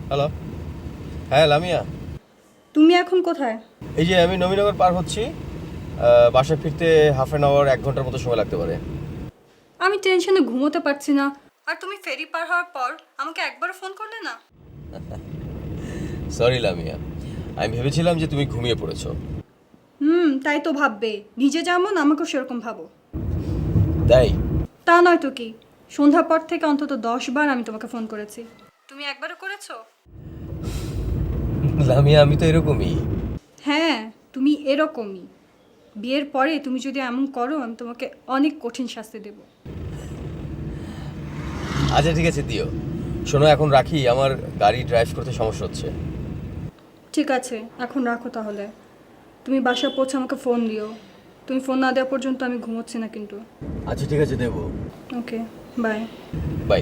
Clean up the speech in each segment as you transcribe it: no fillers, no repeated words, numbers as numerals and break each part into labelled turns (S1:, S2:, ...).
S1: Hello. হ্যাঁ লামিয়া,
S2: তুমি এখন কোথায়?
S1: এই যে আমি নবীনগর পার হচ্ছি। বাসায় ফিরতে হাফ অ্যান আওয়ার 1 ঘন্টার মতো সময় লাগতে পারে।
S2: আমি টেনশনে ঘুমোতে পারছি না। আর তুমি ফেরি পার হওয়ার পর আমাকে একবারও ফোন করলে না।
S1: সরি লামিয়া, আমি ভেবেছিলাম যে তুমি ঘুমিয়ে পড়েছো।
S2: তাই তো ভাববে, নিজে যেমন আমাকেও সেরকম ভাবো।
S1: তাই?
S2: তা নয় তো কি, সন্ধ্যার পর থেকে অন্তত 10 বার আমি তোমাকে ফোন করেছি, তুমি একবারও করেছো?
S1: লামিয়া, আমি তো এরকমই।
S2: হ্যাঁ, তুমি এরকমই। বিয়ের পরে তুমি যদি এমন করো, আমি তোমাকে অনেক কঠিন শাস্তি দেব।
S1: আচ্ছা ঠিক আছে, দিও। শোনো, এখন রাখি, আমার গাড়ি ড্রাইভ করতে সমস্যা হচ্ছে।
S2: ঠিক আছে, এখন রাখো তাহলে। তুমি বাসা পৌঁছে আমাকে ফোন দিও। তুমি ফোন না দেওয়া পর্যন্ত আমি ঘুমোচ্ছি না কিন্তু।
S1: আচ্ছা ঠিক আছে, দেবো।
S2: Okay, bye.
S1: বাই।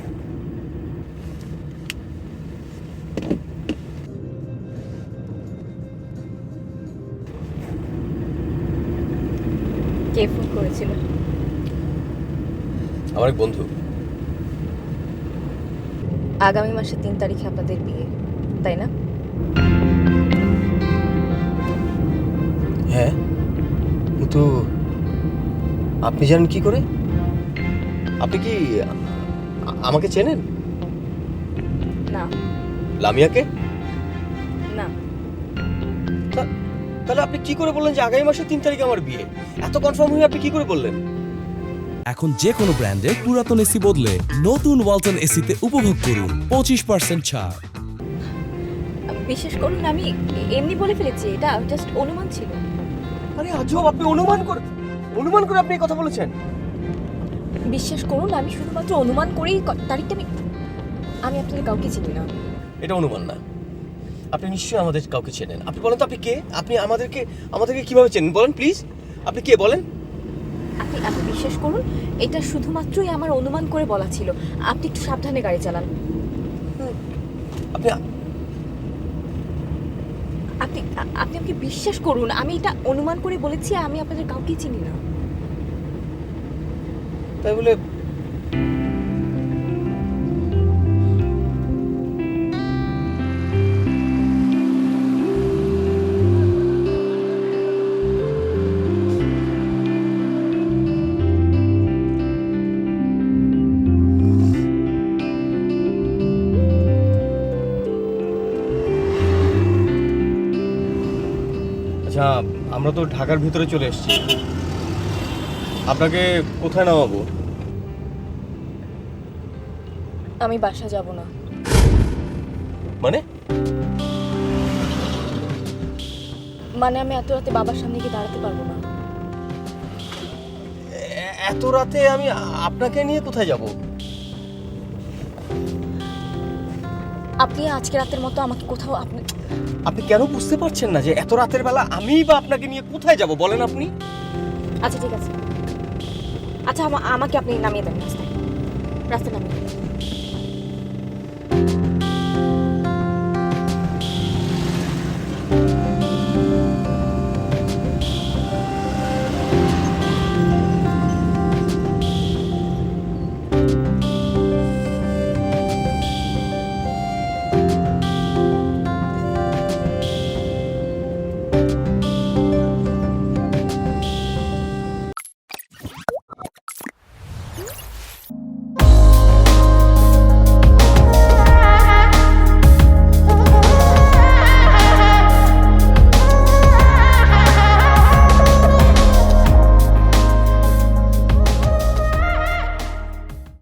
S3: কে ফোন করেছিল?
S1: আমার এক বন্ধু।
S3: আগামী মাসের 3 তারিখে আপনাদের বিয়ে, তাই না?
S1: হ্যাঁ, কিন্তু আপনি জানেন কি করে? আপনি কি আমাকে চেনেন?
S3: না।
S1: লামিয়াকে?
S3: না,
S1: তাহলে আপনি কি করে বললেন যে আগামী মাসের 3 তারিখে আমার বিয়ে? এত কনফার্ম হয়ে আপনি কি করে বললেন?
S4: এখন যে কোনো ব্র্যান্ডের পুরাতন এসি বদলে নতুন ওয়ালটন এসিতে উপভোগ করুন 25% ছাড়।
S3: বিশেষ করুন আমি এমনি বলে ফেলেছি, এটা জাস্ট অনুমান ছিল।
S1: আরে আজব, আপনি অনুমান করে আপনি এই কথা বলেছেন?
S3: বিশ্বাস করুন, আমি শুধুমাত্র অনুমান করেই তারিখটা আমি আপনাদের কাউকে চিনি না।
S1: এটা অনুমান না, আপনি নিশ্চয়ই আমাদের কাউকে চেনেন। আপনি বলেন তো, আপনি কে? আপনি আমাদেরকে কিভাবে চেনেন বলেন প্লিজ। আপনি কে বলেন?
S3: আপনি বিশ্বাস করুন, এটা শুধুমাত্রই আমার অনুমান করে বলা ছিল। আপনি একটু সাবধানে গাড়ি চালান।
S1: আপনি
S3: আপনি আপনি আমাকে বিশ্বাস করুন, আমি এটা অনুমান করে বলেছি, আমি আপনাদের কাউকে চিনি না।
S1: তাই বলে আচ্ছা, আমরা তো ঢাকার ভিতরে চলে এসেছি, আপনাকে কোথায় নামাবো?
S3: আমি বাসা যাব না।
S1: মানে?
S3: মানে আমি এত রাতে বাবার সামনে গিয়ে দাঁড়াতে পারবো না।
S1: এত রাতে আমি আপনাকে নিয়ে কোথায় যাব?
S3: আপনি আজকে রাতের মতো আমাকে কোথাও
S1: আপনি কেন বুঝতে পারছেন না যে এত রাতের বেলা আমি বা আপনাকে নিয়ে কোথায় যাব বলেন আপনি?
S3: আচ্ছা ঠিক আছে, আচ্ছা আমাকে আপনি নামিয়ে দেন রাস্তায়, রাস্তায় নামিয়ে দেন।